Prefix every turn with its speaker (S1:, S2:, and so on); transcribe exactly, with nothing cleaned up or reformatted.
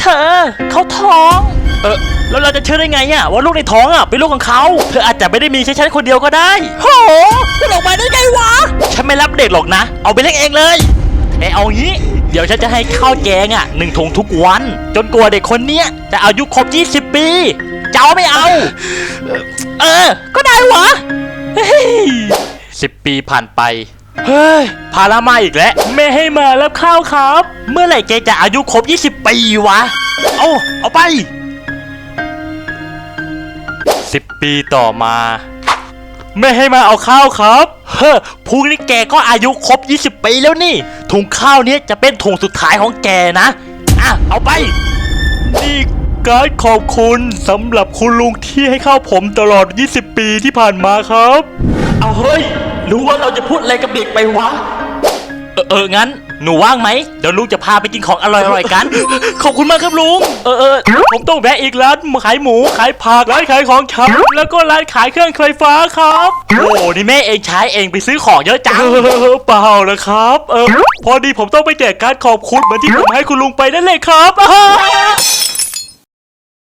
S1: เธอเขาท้องเออแล้วเราจะเชื่อได้ไงอะว่าลูกในท้องอะเป็นลูกของเขาเธออาจจะไม่ได้มีแค่ฉันคนเดียวก็ได้โหจะออกมาได้ไงวะฉันไม่รับเด็กหรอกนะเอาไปเลี้ยงเองเลยแต่เอางี้เดี๋ยวฉันจะให้ข้าวแกงอ่ะหนึ่งถุงทุกวันจนกว่าเด็กคนเนี้ยจะอายุครบยี่สิบปีจะเอาไม่เอาเออก็ได้วะสิบปีผ่านไปเฮ้ยพารามาอีกแล้วไม่ให้มารับข้าวครับเมื่อไหร่แกจะอายุครบยี่สิบปีวะเอาเอาไปสิบปีต่อมาไม่ให้มาเอาข้าวครับเฮ้อพรุ่งนี้แกก็อายุครบยี่สิบปีแล้วนี่ถุงข้าวนี้จะเป็นถุงสุดท้ายของแกนะอ่ะเอาไปนี่การขอบคุณสำหรับคุณลุงที่ให้ข้าวผมตลอดยี่สิบปีที่ผ่านมาครับเอาเฮ้ยรู้ว่าเราจะพูดอะไรกับเด็กไปวะเออเอองั้นหนูว่างไหมเดี๋ยวลุงจะพาไปกินของอร่อยๆกันขอบคุณมากครับลุงเออเออผมต้องแวะอีกร้านขายหมูขายผักร้านขายของชำแล้วก็ร้านขายเครื่องไฟฟ้าครับโอ้นี่แม่เองใช้เองไปซื้อของเยอะจังเปล่าเลยครับเออพอดีผมต้องไปแจกการขอบคุณเหมือนที่ผมให้คุณลุงไปนั่นเลยครับ